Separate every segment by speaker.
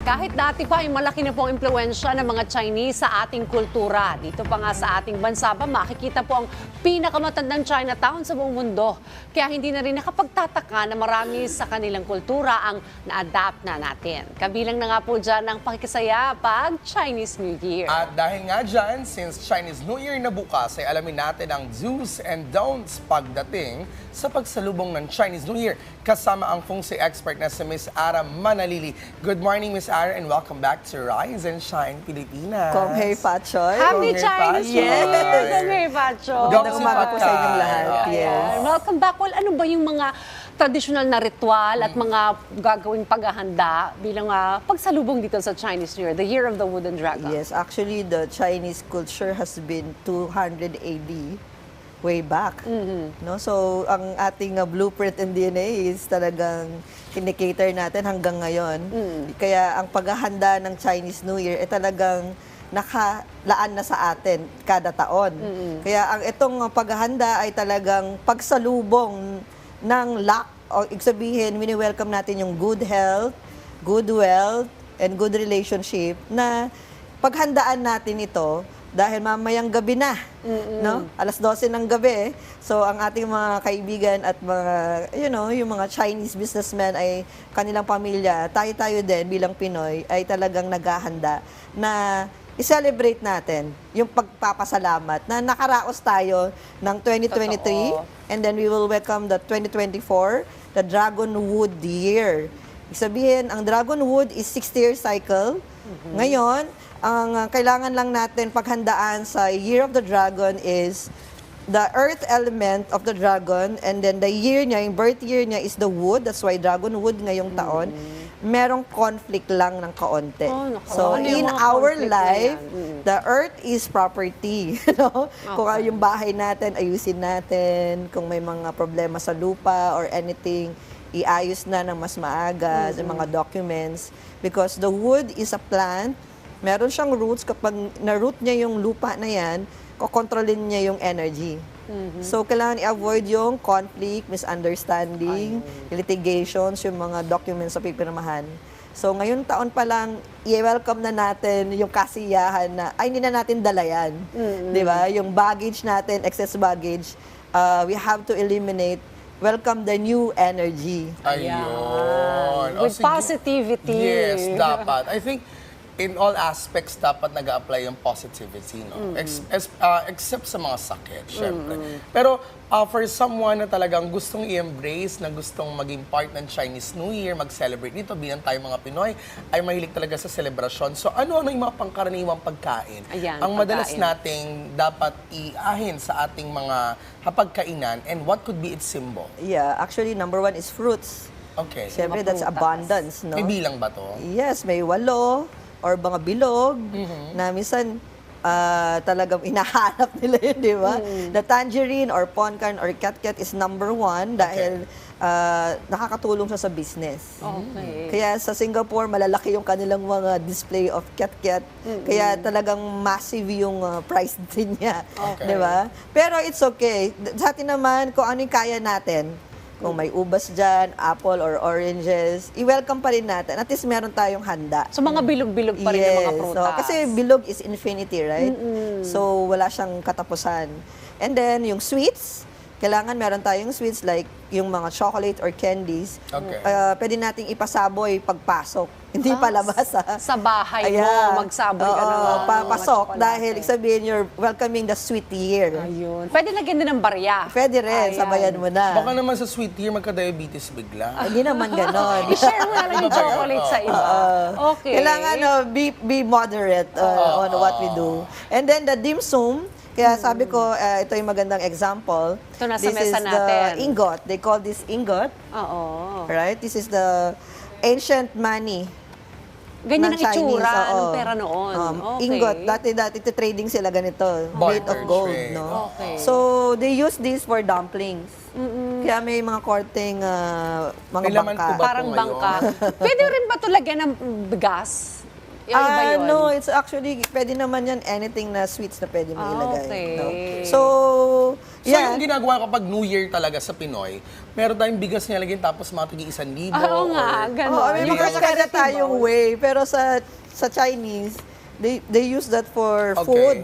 Speaker 1: Kahit dati pa ay malaki na po ang impluwensya ng mga Chinese sa ating kultura. Dito pa nga sa ating bansa pa makikita po ang pinakamatandang Chinatown sa buong mundo. Kaya hindi na rin nakapagtataka na marami sa kanilang kultura ang na-adapt na natin. Kabilang na nga po dyan ang pakikisaya pag Chinese New Year.
Speaker 2: At dahil nga dyan, since Chinese New Year na bukas, ay alamin natin ang do's and don'ts pagdating sa pagsalubong ng Chinese New Year. Kasama ang feng shui expert na si Miss Ara Manalili. Good morning, Miss Ara, and welcome back to Rise and Shine Pilipinas.
Speaker 3: Kong Hei Fat Choy.
Speaker 1: Happy
Speaker 2: Kong Hei
Speaker 1: Chinese New
Speaker 2: Fat
Speaker 1: Year!
Speaker 2: Choy.
Speaker 1: Kong Hei Fat Choy!
Speaker 3: Magandang umaga po sa inyong lahat.
Speaker 2: Ayan.
Speaker 3: Yes.
Speaker 1: Welcome back. Well, ano ba yung mga traditional na ritual at mga gagawing paghahanda bilang pagsalubong dito sa Chinese New Year, the Year of the Wooden Dragon?
Speaker 3: Yes, actually, the Chinese culture has been 200 AD, way back. No? So, ang ating blueprint and DNA is talagang kinikater natin hanggang ngayon. Kaya ang paghahanda ng Chinese New Year ay talagang nakalaan na sa atin kada taon. Kaya ang itong paghahanda ay talagang pagsalubong ng luck, o ibig sabihin, wini-welcome natin yung good health, good wealth, and good relationship na paghandaan natin ito dahil mamayang gabi na, no? Alas 12 ng gabi. So, ang ating mga kaibigan at mga, yung mga Chinese businessmen ay kanilang pamilya, tayo-tayo din bilang Pinoy ay talagang naghahanda na i-celebrate natin yung pagpapasalamat na nakaraos tayo ng 2023.
Speaker 1: Totoo.
Speaker 3: And then we will welcome the 2024, the Dragon Wood Year. Ibig sabihin, ang Dragon Wood is 60-year cycle. Ngayon, ang kailangan lang natin paghandaan sa Year of the Dragon is the earth element of the dragon, and then the year niya, yung birth year niya is the wood. That's why Dragon Wood ngayong taon. Merong conflict lang ng kaonte.
Speaker 1: Oh, naku.
Speaker 3: So,
Speaker 1: Ano yung
Speaker 3: in
Speaker 1: mga
Speaker 3: our
Speaker 1: conflict na
Speaker 3: life,
Speaker 1: yan?
Speaker 3: the earth is property. Kung yung bahay natin, ayusin natin. Kung may mga problema sa lupa or anything, iayos na ng mas maaga sa mga documents. Because the wood is a plant. Meron siyang roots. Kapag na-root niya yung lupa na yan, kokontrolin niya yung energy. So, kailangan i-avoid yung conflict, misunderstanding, litigations, yung mga documents sa pipirmahan. So, ngayon taon pa lang, i-welcome na natin yung kasiyahan na, ay, hindi na natin dala yan. Di ba? Yung baggage natin, excess baggage, we have to eliminate. Welcome the new energy.
Speaker 2: Ayun.
Speaker 1: With
Speaker 2: sige.
Speaker 1: positivity.
Speaker 2: Yes, dapat. I think in all aspects dapat nag-a-apply yung positivity, no? Except sa mga sakit, syempre. Pero for someone na talagang gustong i-embrace, na gustong maging part ng Chinese New Year, mag-celebrate dito, bilang tayo mga Pinoy, ay mahilig talaga sa celebration. So ano yung mga pangkaraniwang pagkain?
Speaker 1: Ayan,
Speaker 2: ang madalas
Speaker 1: pagkain.
Speaker 2: nating dapat iahin sa ating mga hapagkainan, and what could be its symbol?
Speaker 3: Yeah, actually, number one is fruits.
Speaker 2: Okay.
Speaker 3: Siyempre,
Speaker 1: Mga
Speaker 3: that's
Speaker 1: prutas.
Speaker 3: abundance, no?
Speaker 2: May bilang ba to?
Speaker 3: Yes, may walo or mga bilog na minsan talagang inahanap nila yun, di ba? The tangerine or poncan or katkat is number one dahil nakakatulong siya sa business.
Speaker 1: Okay.
Speaker 3: Kaya sa Singapore, malalaki yung kanilang mga display of katkat. Kaya talagang massive yung price din niya.
Speaker 2: Okay.
Speaker 3: Di ba? Pero it's okay. Sa atin naman, kung ano yung kaya natin, kung may ubas dyan, apple or oranges, i-welcome pa rin natin. At least meron tayong handa.
Speaker 1: So, mga bilog-bilog pa rin yung mga prutas.
Speaker 3: So, kasi bilog is infinity, right? So, wala siyang katapusan. And then, yung sweets, kailangan meron tayong sweets like yung mga chocolate or candies.
Speaker 2: Okay.
Speaker 3: Pwede nating ipasaboy pagpasok. Hindi palabas, ha?
Speaker 1: Sa bahay
Speaker 3: Ayan.
Speaker 1: mo, magsaboy ka ng mga
Speaker 3: papasok.
Speaker 1: chocolate.
Speaker 3: Dahil, ibig sabihin, you're welcoming the sweet year.
Speaker 1: Ayun. Pwede lagyan din ng barya.
Speaker 3: Pwede rin,
Speaker 1: Ayan.
Speaker 3: sabayan mo na.
Speaker 2: Baka naman sa sweet year, magka-diabetes bigla.
Speaker 3: Hindi naman ganon.
Speaker 1: I-share mo na lang yung chocolate sa iba. Okay.
Speaker 3: Kailangan be moderate on what we do. And then the dim sum, kaya sabi ko, ito yung magandang example.
Speaker 1: Ito nasa
Speaker 3: This
Speaker 1: mesa
Speaker 3: is
Speaker 1: natin.
Speaker 3: the ingot. They call this ingot.
Speaker 1: Oo.
Speaker 3: Right? This is the ancient money.
Speaker 1: Ganyan ang
Speaker 3: ng Chinese,
Speaker 1: itsura ng
Speaker 3: oo.
Speaker 1: pera noon. Okay.
Speaker 3: Ingot. Dati trading sila ganito. Made of
Speaker 2: Barter
Speaker 3: gold.
Speaker 2: trade.
Speaker 3: No?
Speaker 1: Okay.
Speaker 3: So, they use this for dumplings. Kaya may mga korteng mga
Speaker 2: May laman
Speaker 3: bangka.
Speaker 2: po ba?
Speaker 1: Parang
Speaker 2: ngayon?
Speaker 1: bangka. Pwede rin ba ito lagyan ng bigas? Yung iba yun?
Speaker 3: No, it's actually, pwede naman yan, anything na sweets na pwede mo ilagay.
Speaker 1: Okay.
Speaker 3: No? So,
Speaker 2: So
Speaker 3: yeah.
Speaker 2: yung ginagawa kapag New Year talaga sa Pinoy, meron tayong bigas nilalagay tapos mga tigi 1,000.
Speaker 1: Oo nga,
Speaker 2: or-
Speaker 1: gano'n.
Speaker 3: Oh, I mean,
Speaker 2: Yung
Speaker 3: kanya-kanya tayong way. Pero sa Chinese, they use that for
Speaker 2: Okay.
Speaker 3: food.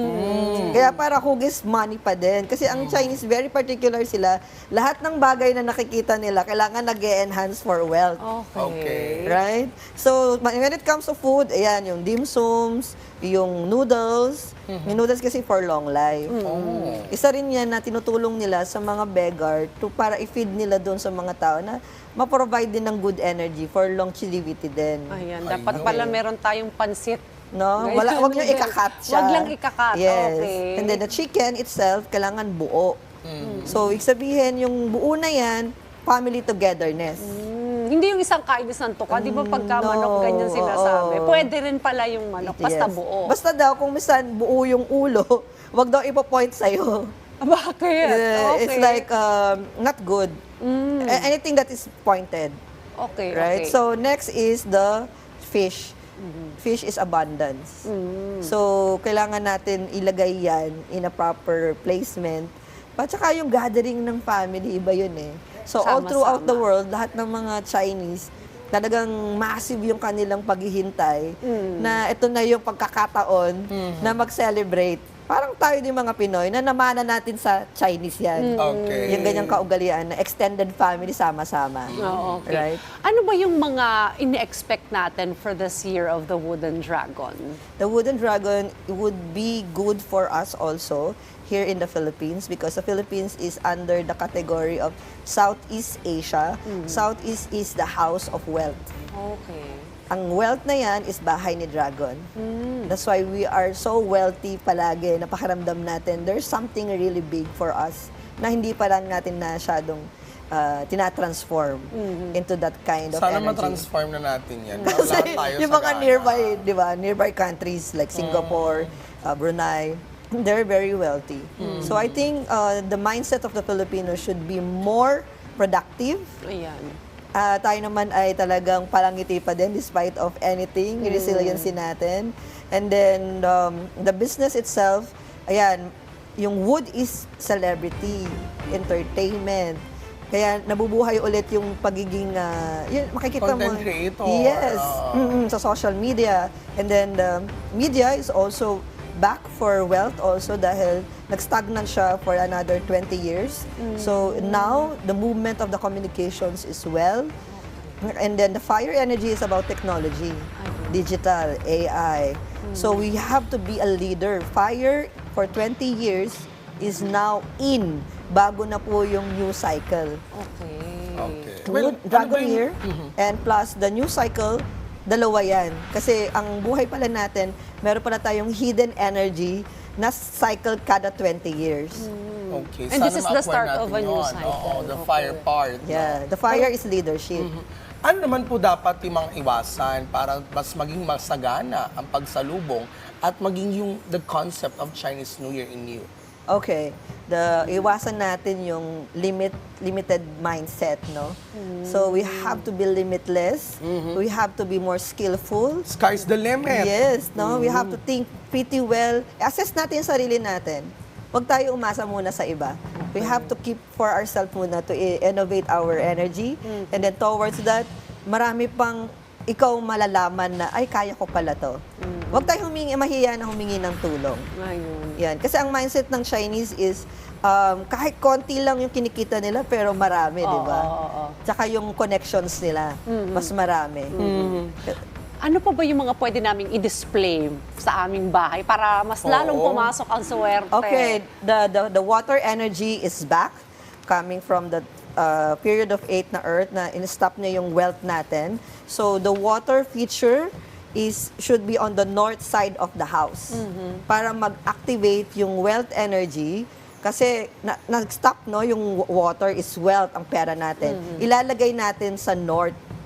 Speaker 3: Kaya para hugis money pa din. Kasi ang Chinese, very particular sila. Lahat ng bagay na nakikita nila, kailangan nag-enhance for wealth.
Speaker 2: Okay.
Speaker 3: Right? So, when it comes to food, ayan, yung dim sums, yung noodles. Yung noodles kasi for long life.
Speaker 2: Oh.
Speaker 3: Isa rin yan na tinutulong nila sa mga beggar para i-feed nila doon sa mga tao na ma-provide din ng good energy for longevity din.
Speaker 1: Ayan, dapat
Speaker 2: Ayun.
Speaker 1: pala meron tayong pansit.
Speaker 3: No?
Speaker 1: Ngayon,
Speaker 3: Wag nyo ikakat siya.
Speaker 1: Wag lang ikakat,
Speaker 3: Yes.
Speaker 1: okay.
Speaker 3: And then the chicken itself, kailangan buo. So, ibig sabihin, yung buo na yan, family togetherness.
Speaker 1: Hindi yung isang kain isang tuka. Di ba pagka
Speaker 3: No,
Speaker 1: manok ganyan sinasabi?
Speaker 3: oo.
Speaker 1: Pwede rin pala yung manok, basta
Speaker 3: Yes.
Speaker 1: buo.
Speaker 3: Basta daw, kung misan buo yung ulo, wag daw ipo-point sa'yo.
Speaker 1: Bakit? Okay.
Speaker 3: It's like, not good. Anything that is pointed.
Speaker 1: Okay,
Speaker 3: Right?
Speaker 1: okay.
Speaker 3: So, next is the fish. Fish is abundance. So, kailangan natin ilagay yan in a proper placement. At saka yung gathering ng family, iba yun eh. So, all
Speaker 1: Sama-sama.
Speaker 3: throughout the world, lahat ng mga Chinese, talagang massive yung kanilang paghihintay na ito na yung pagkakataon na mag-celebrate. Parang tayo din mga Pinoy na namana natin sa Chinese yan.
Speaker 2: Okay.
Speaker 3: Yung ganyang kaugalian na extended family sama-sama.
Speaker 1: Oo, okay.
Speaker 3: Right?
Speaker 1: Ano ba yung mga ini-expect natin for this year of the Wooden Dragon?
Speaker 3: The wooden dragon would be good for us also here in the Philippines because the Philippines is under the category of Southeast Asia. Southeast is the house of wealth.
Speaker 1: Okay.
Speaker 3: Ang wealth na yan is bahay ni Dragon. That's why we are so wealthy palagi. Napakaramdam natin there's something really big for us na hindi pa lang natin na masyadong tinatransform into that kind of
Speaker 2: Sana
Speaker 3: energy.
Speaker 2: ma-transform na natin yan. Para
Speaker 3: Kasi
Speaker 2: lahat tayo
Speaker 3: yung
Speaker 2: sa
Speaker 3: mga
Speaker 2: gana.
Speaker 3: nearby, di ba, nearby countries like Singapore, Brunei, they're very wealthy. So I think the mindset of the Filipinos should be more productive.
Speaker 1: Ayan.
Speaker 3: Tayo naman ay talagang palangiti pa din despite of anything, resiliency natin. And then the business itself, ayan, yung wood is celebrity, entertainment. Kaya nabubuhay ulit yung pagiging, yun, makikita mo.
Speaker 2: Content creator.
Speaker 3: Yes, sa social media. And then media is also back for wealth also dahil nag-stagnant siya for another 20 years. So now, the movement of the communications is well. And then the fire energy is about technology, digital, AI. So we have to be a leader. Fire for 20 years is now in. Bago na po yung new cycle.
Speaker 1: Okay.
Speaker 2: Okay.
Speaker 3: Wood,
Speaker 2: ano
Speaker 3: dragon
Speaker 2: ba yung-
Speaker 3: year, and plus the new cycle, dalawa yan. Kasi ang buhay pala natin, meron pala tayong hidden energy na cycle kada 20 years.
Speaker 2: Okay.
Speaker 1: And
Speaker 2: Sana
Speaker 1: this is the
Speaker 2: ma-acquire
Speaker 1: start
Speaker 2: natin
Speaker 1: of a new
Speaker 2: yun.
Speaker 1: cycle.
Speaker 2: Oo, the
Speaker 1: Okay.
Speaker 2: fire part.
Speaker 3: Yeah, the fire is leadership.
Speaker 2: Ano naman po dapat yung mga iwasan para mas maging masagana ang pagsalubong at maging yung the concept of Chinese New Year in you?
Speaker 3: Okay. Iwasan natin yung limited mindset, no? So we have to be limitless. We have to be more skillful.
Speaker 2: Sky's the limit.
Speaker 3: Yes, no? We have to think pretty well. Assess natin yung sarili natin. Huwag tayo umasa muna sa iba. We have to keep for ourselves muna to innovate our energy. And then towards that, marami pang ikaw malalaman na, ay, kaya ko pala to. Huwag tayo mahiya na humingi ng tulong.
Speaker 1: Ayun.
Speaker 3: Yan. Kasi ang mindset ng Chinese is, kahit konti lang yung kinikita nila, pero marami, di ba?
Speaker 1: oo.
Speaker 3: Tsaka yung connections nila, mas marami.
Speaker 1: Ano pa ba yung mga pwede naming i-display sa aming bahay para mas lalong
Speaker 2: Oo.
Speaker 1: pumasok ang swerte?
Speaker 3: Okay, the water energy is back, coming from the period of 8 na Earth na in-stop niya yung wealth natin. So the water feature should be on the north side of the house para mag-activate yung wealth energy kasi nag-stop, no, yung water is wealth, ang pera natin. Ilalagay natin sa north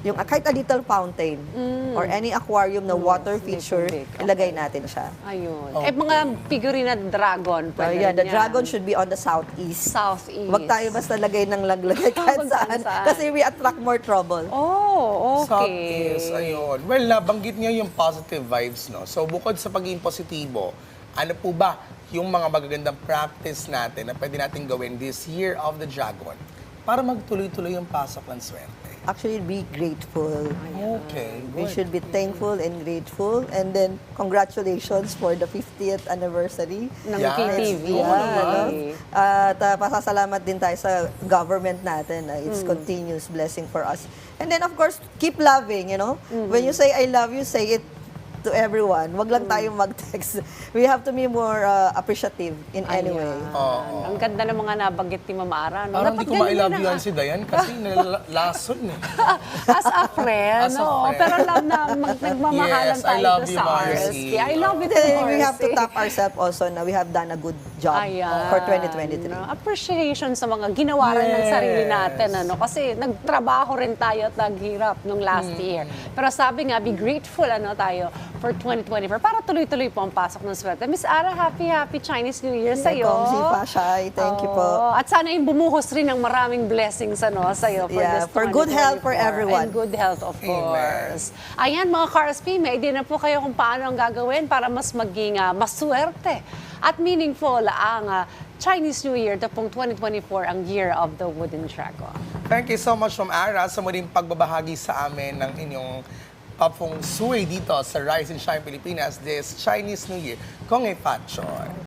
Speaker 3: yung kahit a little fountain or any aquarium na water
Speaker 1: little
Speaker 3: feature,
Speaker 1: big.
Speaker 3: ilagay natin siya.
Speaker 1: Ayun. Mga figurine na dragon.
Speaker 3: So,
Speaker 1: pwede
Speaker 3: yeah, the
Speaker 1: rin yan.
Speaker 3: dragon should be on the southeast.
Speaker 1: Southeast.
Speaker 3: Wag tayo basta lagay ng laglagay kahit
Speaker 1: Kung
Speaker 3: saan.
Speaker 1: saan-saan.
Speaker 3: Kasi we attract more trouble.
Speaker 1: Oh, okay.
Speaker 2: Southeast, ayun. Well, nabanggit niyo yung positive vibes, no? So, bukod sa pagiging positibo, ano po ba yung mga magagandang practice natin na pwede natin gawin this year of the dragon para magtuloy-tuloy yung pasok ng swerte?
Speaker 3: Actually, be grateful.
Speaker 2: Okay,
Speaker 3: We
Speaker 2: good.
Speaker 3: should be thankful and grateful. And then, congratulations for the 50th anniversary.
Speaker 1: Ng
Speaker 2: Yes.
Speaker 1: KTV.
Speaker 2: Oo naman.
Speaker 3: At pasasalamat din tayo sa government natin. It's continuous blessing for us. And then, of course, keep loving, you know? When you say I love you, say it to everyone. Wag lang tayong mag-text. We have to be more appreciative in any way.
Speaker 2: Oo.
Speaker 1: Ang ganda ng mga nabanggit ni Mama Ara. No?
Speaker 2: Parang
Speaker 1: Dapat
Speaker 2: hindi ko ma-love
Speaker 1: ganyan
Speaker 2: you
Speaker 1: na
Speaker 2: si Dayan kasi nalason eh.
Speaker 1: As a friend,
Speaker 2: As a
Speaker 1: no?
Speaker 2: friend.
Speaker 1: Pero love na nagmamahalan
Speaker 2: Yes, I
Speaker 1: tayo
Speaker 2: love
Speaker 1: dito
Speaker 2: you,
Speaker 1: sa
Speaker 2: Marcy.
Speaker 1: RSP. I love it,
Speaker 3: We have to
Speaker 1: Marcy.
Speaker 3: tap ourselves also na we have done a good job
Speaker 1: Ayan.
Speaker 3: for 2023.
Speaker 1: No? Appreciation sa mga ginawa rin ng
Speaker 2: Yes.
Speaker 1: sarili natin. Ano? Kasi nagtrabaho rin tayo at naghirap nung last year. Pero sabi nga, be grateful tayo for 2024 para tuloy-tuloy po ang pasok ng swerte. Miss Ara, happy Chinese New Year sa'yo.
Speaker 3: Kongsi pa, Shai. Thank you po.
Speaker 1: Oo. At sana yung bumuhos rin ng maraming blessings sa'yo for
Speaker 3: Yeah,
Speaker 1: this
Speaker 3: for good health for
Speaker 1: 2024.
Speaker 3: everyone.
Speaker 1: And good health, of
Speaker 2: Amen.
Speaker 1: course. Ayan, mga Carsp, may idea na po kayo kung paano ang gagawin para mas maging maswerte at meaningful ang Chinese New Year. Ito pong 2024, ang Year of the Wooden Dragon.
Speaker 2: Thank you so much, Ma'am Ara, sa muling pagbabahagi sa amin ng inyong feng shui dito sa Rise and Shine Pilipinas this Chinese New Year. Kong e Pat Choy.